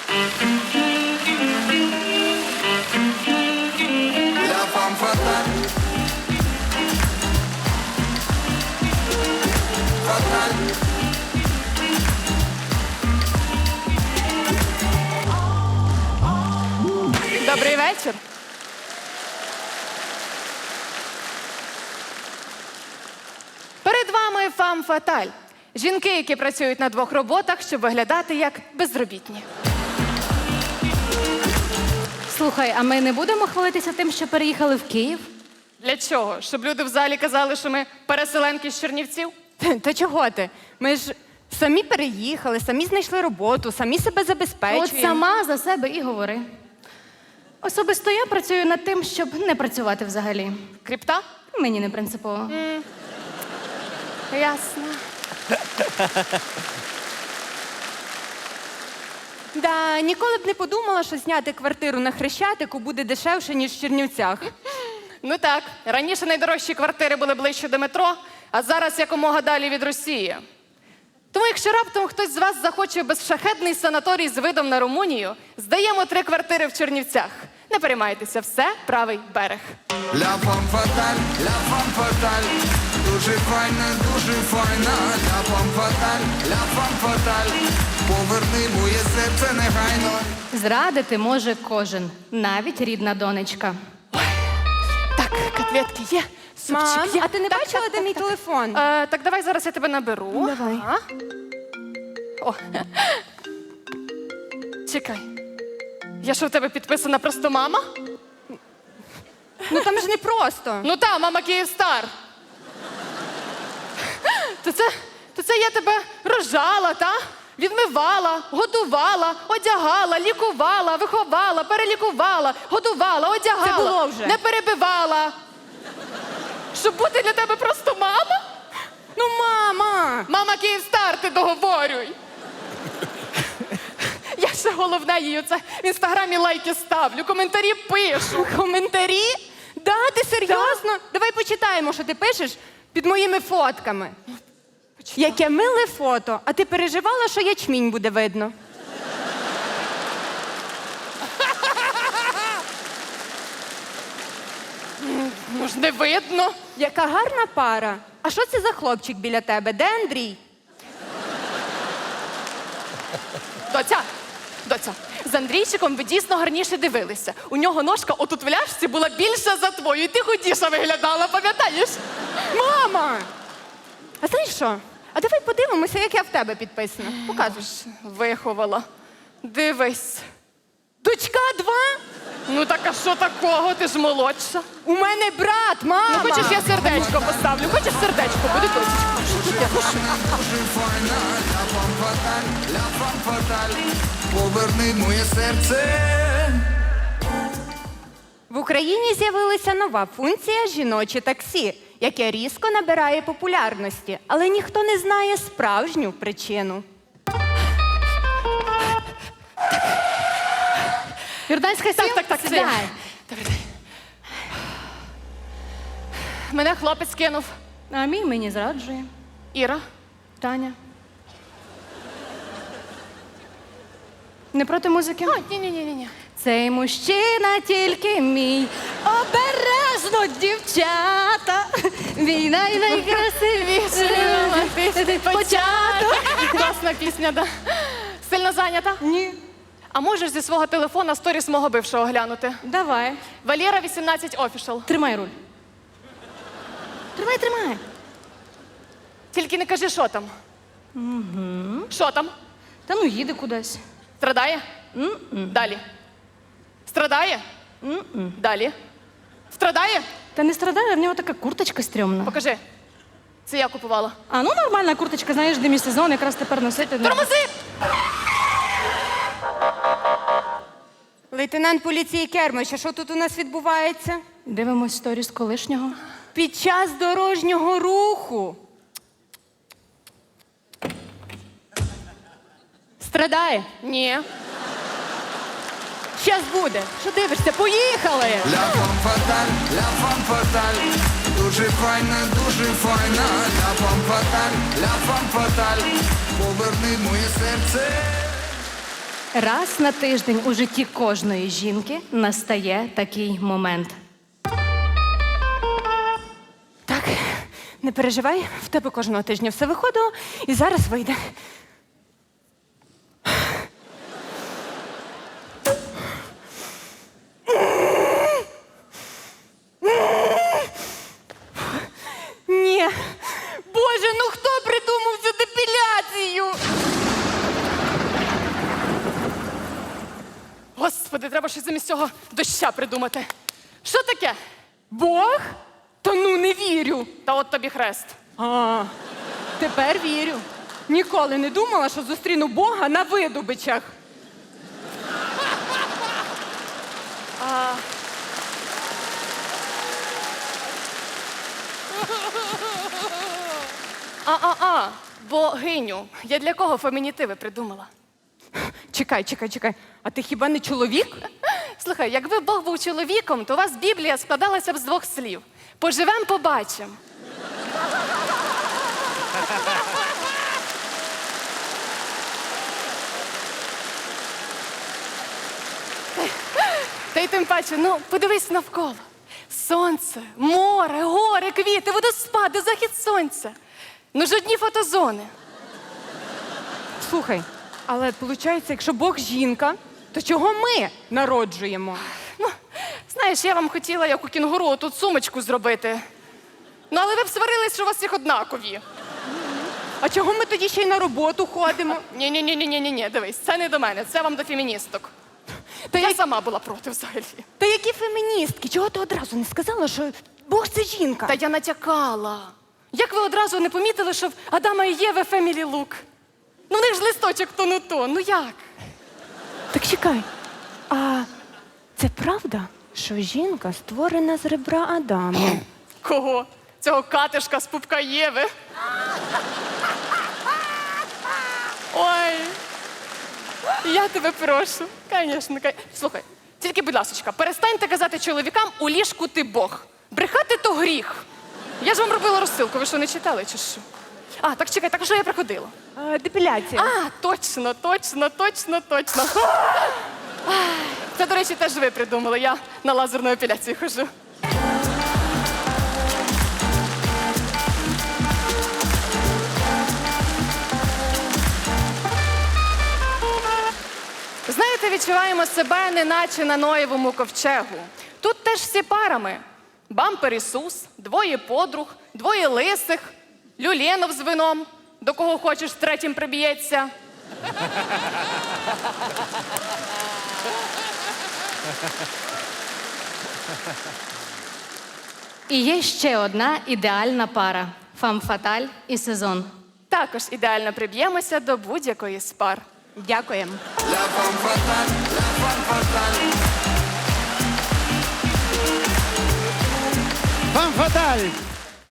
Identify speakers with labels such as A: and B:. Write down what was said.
A: La femme fatale. Fatale.
B: Добрий вечір. Перед вами фам фаталь. Жінки, які працюють на двох роботах, щоб виглядати як безробітні.
C: Слухай, а ми не будемо хвалитися тим, що переїхали в Київ?
B: Для чого? Щоб люди в залі казали, що ми переселенки з Чернівців?
D: Та чого ти? Ми ж самі переїхали, самі знайшли роботу, самі себе забезпечуємо.
C: От сама за себе і говори. Особисто я працюю над тим, щоб не працювати взагалі.
B: Кріпта?
C: Мені не принципово.
B: Ясно.
D: Да, ніколи б не подумала, що зняти квартиру на Хрещатику буде дешевше, ніж в Чернівцях.
B: Ну так, раніше найдорожчі квартири були ближче до метро, а зараз якомога далі від Росії. Тому якщо раптом хтось з вас захоче безшахетний санаторій з видом на Румунію, здаємо 3 квартири в Чернівцях. Не переймайтеся, все правий берег.
A: La femme fatale, la femme fatale. Дуже файна, дуже файна. La femme fatale, la femme fatale. Поверни моє серце негайно.
C: Зрадити може кожен, навіть рідна донечка.
B: Так, котлетки є,
D: Мам,
B: супчик є.
D: а ти не
B: Так,
D: бачила,
B: так,
D: де
B: так,
D: мій
B: так.
D: телефон?
B: Так давай зараз я тебе наберу.
D: Давай.
B: Ага. О. Чекай. Я що, в тебе підписана просто мама?
D: Ну там ж не просто.
B: Ну та, мама Київстар. То це я тебе рожала, та? Відмивала, годувала, одягала, лікувала, виховала, перелікувала, годувала, одягала.
D: Це було вже.
B: Не перебивала. Щоб бути для тебе просто мама?
D: Ну, мама!
B: Мама Київстар, ти договорюй. Я ще головне їй оце в інстаграмі лайки ставлю, коментарі пишу.
D: Коментарі? Да, ти серйозно? Давай почитаємо, що ти пишеш під моїми фотками. Яке миле фото. А ти переживала, що ячмінь буде видно?
B: Ну ж не видно.
D: Яка гарна пара. А що це за хлопчик біля тебе? Де Андрій?
B: Доця, з Андрійчиком ви дійсно гарніше дивилися. У нього ножка отут в ляшці була більша за твою, і ти худіша виглядала, пам'ятаєш?
D: Мама! А знаєш що? А давай подивимося, як я в тебе підписана. Показуєш.
B: Виховала. Дивись.
D: Дочка 2?
B: Ну так а що такого? Ти ж молодша.
D: У мене брат, мама!
B: Ну хочеш, я сердечко поставлю? Хочеш сердечко? Буде досить.
A: Дуже файна, la femme fatale, la femme fatale. Поверни моє серце.
D: В Україні з'явилася нова функція «Жіноче таксі», яке різко набирає популярності, але ніхто не знає справжню причину.
C: Юрданська сіл?
B: Так,
C: Сідай.
B: Добрий день. Мене хлопець кинув.
C: А мій мені зраджує.
B: Іра.
C: Таня. Не проти музики?
B: Ні.
C: Цей мужчина тільки мій. Обережно, дівчата. Мій найкрасивіший початок.
B: Класна пісня, да. Сильно зайнята?
C: Ні.
B: А можеш зі свого телефона сторіс мого бившого глянути?
C: Давай.
B: Валєра 18 Official.
C: Тримай руль. Тримай.
B: Тільки не кажи, що там. Що там?
C: Та ну їде кудись.
B: Страдає? Далі. Страдає? Далі. Страдає?
C: Та не страдає, в нього така курточка стрьомна.
B: Покажи. Це я купувала.
C: А ну нормальна курточка, знаєш, демісезон, якраз тепер носити.
B: Тормози!
D: Лейтенант поліції Кермич, а що тут у нас відбувається?
C: Дивимось сторіс колишнього.
D: Під час дорожнього руху. Страдає?
B: Ні.
D: Щас буде. Що дивишся? Поїхали!
A: La femme fatale, la femme fatale. Дуже файна, дуже файна. La femme fatale, la femme fatale. Поверни моє серце.
C: Раз на тиждень у житті кожної жінки настає такий момент.
D: Так, не переживай, в тебе кожного тижня все виходило і зараз вийде. Ні. Боже, ну хто придумав цю депіляцію?
B: Господи, треба щось замість цього доща придумати. Що таке?
D: Бог? Та ну не вірю.
B: Та от тобі хрест.
D: А, тепер вірю. Ніколи не думала, що зустріну Бога на видобичах.
B: Богиню. Я для кого фемінітиви придумала?
D: Чекай. А ти хіба не чоловік?
B: Слухай, якби Бог був чоловіком, то у вас Біблія складалася б з двох слів. Поживем, побачимо. Та й тим паче, ну, подивись навколо. Сонце, море, гори, квіти, водоспади, захід сонця. Ну ж одні фотозони.
D: Слухай, але виходить, якщо Бог жінка, то чого ми народжуємо?
B: Ну, знаєш, я вам хотіла, як у кінгуру, тут сумочку зробити. Ну, але ви б сварились, що у вас всіх однакові.
D: А чого ми тоді ще й на роботу ходимо?
B: Ні, дивись, це не до мене, це вам до феміністок.
D: Та
B: Я сама була проти взагалі.
D: Та які феміністки? Чого ти одразу не сказала, що Бог це жінка?
B: Та я натякала. Як ви одразу не помітили, що в Адама і Єви фемілі лук? Ну, в них ж листочок то не то. Ну як?
D: Так чекай, а це правда, що жінка створена з ребра Адама?
B: Кого? Цього катишка з пупка Єви. Ой. Я тебе прошу. Звісно. Слухай, тільки, будь ласочка, перестаньте казати чоловікам, у ліжку ти Бог. Брехати то гріх. Я ж вам робила розсилку, ви що, не читали чи що? А, так чекай, так що я приходила?
D: Депіляція.
B: А, точно. Це, до речі, теж ви придумали. Я на лазерну епіляцію хожу. Знаєте, відчуваємо себе неначе на Ноєвому ковчегу. Тут теж всі парами. Бампер Ісус, двоє подруг, двоє лисих, Люленов з вином, до кого хочеш третім приб'ється.
C: І є ще одна ідеальна пара – фам-фаталь і сезон.
B: Також ідеально приб'ємося до будь-якої з пар.
D: Дякуємо.
A: La femme fatale, la femme fatale.
E: Фам Фаталь!